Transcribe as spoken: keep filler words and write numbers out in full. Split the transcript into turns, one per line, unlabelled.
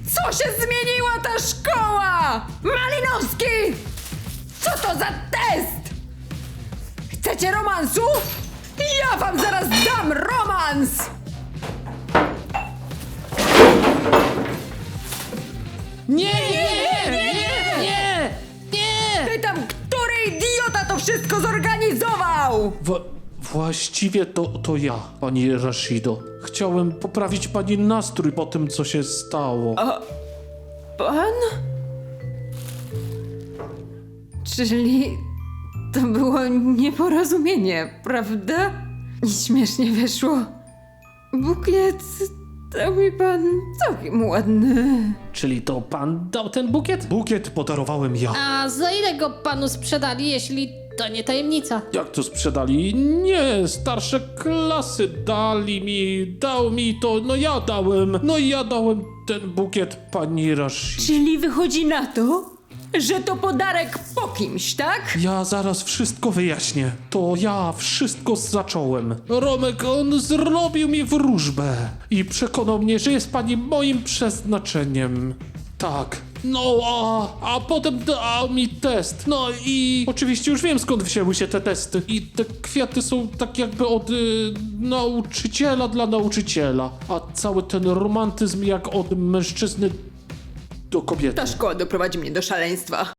Co się zmieniła ta szkoła? Malinowski! Co to za test? Chcecie romansu? Ja wam zaraz dam romans!
Nie, nie, nie, nie, nie, nie!
Pytam, który idiota to wszystko zorganizował?
Wa- właściwie to, to ja, pani Rashido. Chciałem poprawić pani nastrój po tym, co się stało.
Pan? Czyli to było nieporozumienie, prawda? I śmiesznie wyszło. Bukiet dał mi pan całkiem ładny.
Czyli to pan dał ten bukiet? Bukiet podarowałem ja.
A za ile go panu sprzedali, jeśli to nie tajemnica?
Jak to sprzedali? Nie, starsze klasy dali mi, dał mi to, no ja dałem, no i ja dałem ten bukiet pani Rashido.
Czyli wychodzi na to, że to podarek po kimś, tak?
Ja zaraz wszystko wyjaśnię. To ja wszystko zacząłem. Romek, on zrobił mi wróżbę i przekonał mnie, że jest pani moim przeznaczeniem. Tak. No, a, a potem dał mi test. No i oczywiście już wiem, skąd wzięły się te testy. I te kwiaty są tak jakby od y, nauczyciela dla nauczyciela. A cały ten romantyzm jak od mężczyzny do kobiety.
Ta szkoła doprowadzi mnie do szaleństwa.